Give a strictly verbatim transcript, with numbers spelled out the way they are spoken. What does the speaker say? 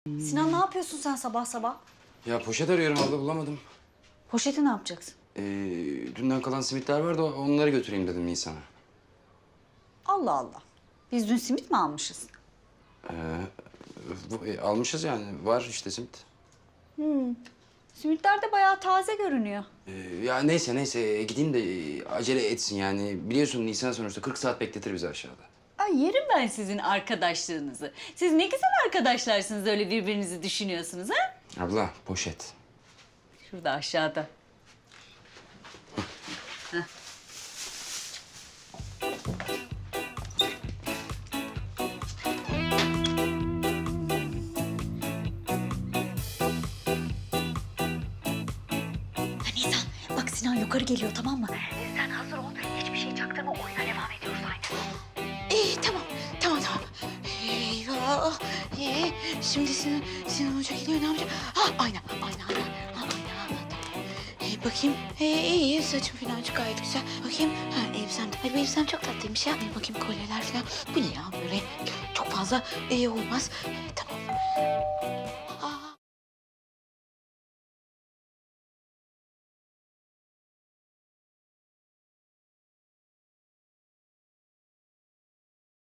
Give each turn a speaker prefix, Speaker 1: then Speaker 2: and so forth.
Speaker 1: Sinan ne yapıyorsun sen sabah sabah?
Speaker 2: Ya poşet arıyorum abla, bulamadım.
Speaker 1: Poşeti ne yapacaksın?
Speaker 2: Ee, dünden kalan simitler vardı, onları götüreyim dedim Nisan'a.
Speaker 1: Allah Allah. Biz dün simit mi almışız?
Speaker 2: Ee, bu, e, almışız yani, var işte simit.
Speaker 1: Simitler de bayağı taze görünüyor.
Speaker 2: Ee, ya neyse neyse, e, gideyim de e, acele etsin yani. Biliyorsun Nisan sonuçta kırk saat bekletir bizi aşağıda.
Speaker 3: Ay yerim ben sizin arkadaşlığınızı. Siz ne güzel arkadaşlarsınız, öyle birbirinizi düşünüyorsunuz ha?
Speaker 2: Abla, poşet.
Speaker 3: Şurada aşağıda.
Speaker 1: Nisan bak Sinan yukarı geliyor tamam mı?
Speaker 4: Sen hazır ol. Hiçbir şey çaktırma. Oyuna devam ediyoruz aynı.
Speaker 5: İyi tamam, tamam tamam. Eyvah. Ee, şimdi Sinan, Sinan Hoca geliyor ne yapacak? Ha ayna, ayna, ayna. Ha, ayna, ayna, tamam. Ee, bakayım. Ee, iyi, saçım falan çok gayet güzel. Bakayım. Ha elbisem de. Ay bu elbisem çok tatlıymış ya. Ee, bakayım kolyeler falan. Bu ne ya böyle? Çok fazla iyi olmaz. Ee, tamam.